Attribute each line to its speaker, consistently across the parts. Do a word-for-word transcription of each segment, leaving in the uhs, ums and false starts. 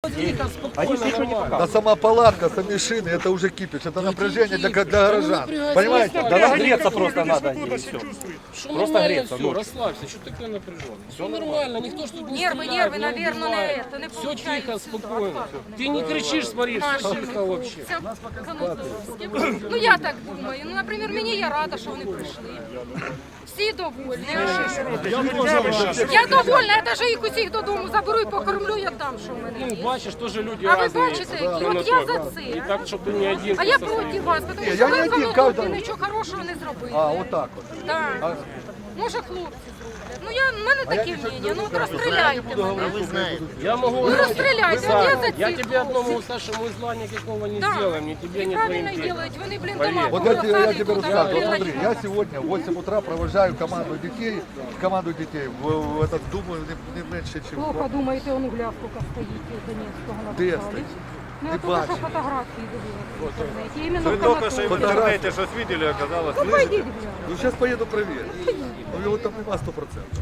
Speaker 1: Да сама палатка, сами шины, это уже кипиш, это напряжение для, для горожан. Понимаете?
Speaker 2: Да нам греться просто надо. и всё.
Speaker 3: Что
Speaker 2: Просто
Speaker 3: нормально
Speaker 2: греться,
Speaker 3: все,
Speaker 2: ну.
Speaker 3: расслабься, что такое напряженно? Все нормально, никто ж тут не
Speaker 4: Нервы,
Speaker 3: стреляет,
Speaker 4: нервы,
Speaker 3: не
Speaker 4: наверное,
Speaker 3: убивает.
Speaker 4: на это, не
Speaker 3: Все
Speaker 4: получается.
Speaker 3: тихо, спокойно. Ты не кричишь, смотри, что тихо вообще.
Speaker 4: Це Ну я так думаю. Ну, наприклад, мені я рада, що вони прийшли. Всі довольні. Я довольна, я навіть їх усіх додому заберу і покормлю, я дам, що в мене
Speaker 3: Ну,
Speaker 4: є.
Speaker 3: бачиш, теж люди
Speaker 4: А ви
Speaker 3: разные
Speaker 4: бачите,
Speaker 3: есть,
Speaker 4: які? От я
Speaker 3: Анатолій.
Speaker 4: за
Speaker 3: І
Speaker 4: це.
Speaker 3: так, щоб ти не один.
Speaker 4: А я
Speaker 3: просто
Speaker 4: проти вас, тому
Speaker 1: Я
Speaker 4: що
Speaker 1: не
Speaker 4: ви
Speaker 1: один,
Speaker 4: в
Speaker 1: каждый-
Speaker 4: Анатолії нічого хорошого не зробили.
Speaker 1: А, вот так вот.
Speaker 4: Так. Може, хлопці зроблять. Ну, я, в мене такі мнення. Ну, от розстріляйте мене.
Speaker 3: Я могу...
Speaker 4: Ну, расстреляйте, а я за
Speaker 3: Я
Speaker 4: цих
Speaker 3: тебе одному
Speaker 4: хлопців.
Speaker 3: старшему зла никакого не
Speaker 4: Да.
Speaker 3: сделаем, ни тебе, ни
Speaker 4: Правильно
Speaker 3: твоим детям.
Speaker 4: делают. Вони, блін,
Speaker 3: Поверь.
Speaker 4: дома
Speaker 1: Вот я, тебе- я
Speaker 4: посадять
Speaker 1: тебе
Speaker 4: туди,
Speaker 1: рассказываю.
Speaker 4: блін,
Speaker 1: Вот смотри,
Speaker 4: ночі.
Speaker 1: я сегодня в восемь утра провожаю команду детей, команду детей, в, в этот, думаю, не, не меньше, чем...
Speaker 4: Плохо думаєте, он гля сколько стоїть з Донецького на
Speaker 1: Де
Speaker 4: вокзалі.
Speaker 1: стоїть?
Speaker 4: Ну,
Speaker 1: Не
Speaker 4: я только
Speaker 1: бачу.
Speaker 4: що фотографії дивилась в інтернеті. Іменно
Speaker 5: Вы
Speaker 4: в
Speaker 5: только что и в
Speaker 4: Канатополі.
Speaker 5: интернете что-то видели, оказалось.
Speaker 4: Ну, пойдіть глянь.
Speaker 1: Ну, сейчас поеду проверить. Ну, его там нема сто процентов.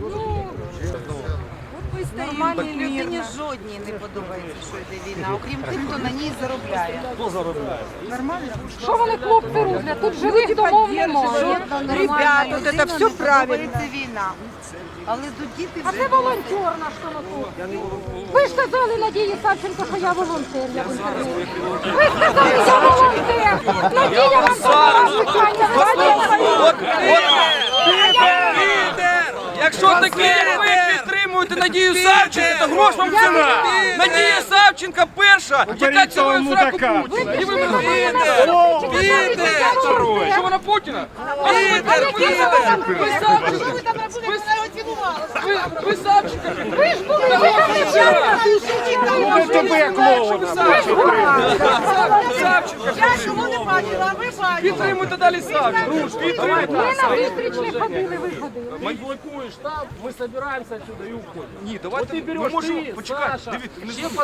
Speaker 6: Нормальній людині жодній не подобається, що йде війна, окрім тих, хто на ній заробляє.
Speaker 4: Що вони, хлопці, роблять? Тут живих домов немає.
Speaker 6: Ребята, от це все правильно. Це війна. Але тут діти
Speaker 4: А
Speaker 6: вже...
Speaker 4: це волонтер наш Анатолій. Ви ж казали Надії Савченко, що я волонтер, я в інтернеті. Ви ж казали, я волонтер. Надія вам сказала питання.
Speaker 7: Якщо такі, як ви підтримуєте Надію Савченко, то грош вам ціна. Надія Савченко перша, яка цілує в сраку Путіна. І ви мене Піде! Що вона Путіна? Піде! Піде! Ви Савченко! Ви, ви Савченко!
Speaker 4: Ви ж були, ви там не вчора.
Speaker 7: Тебе клоуна! Савченко!
Speaker 6: Я чому не бачила, а ви бачили.
Speaker 7: Підтримуйте далі Савченко! Підтримуйте!
Speaker 4: Ми на зустріч не ходили, ви ходили.
Speaker 3: Ты блокуешь там, мы собираемся отсюда и уходим.
Speaker 2: Ні,
Speaker 3: Вот
Speaker 2: давайте
Speaker 3: ты
Speaker 2: ми
Speaker 3: берешь,
Speaker 2: можемо
Speaker 3: ты,
Speaker 2: почекати.
Speaker 3: Саша,
Speaker 2: Дивіться,
Speaker 3: все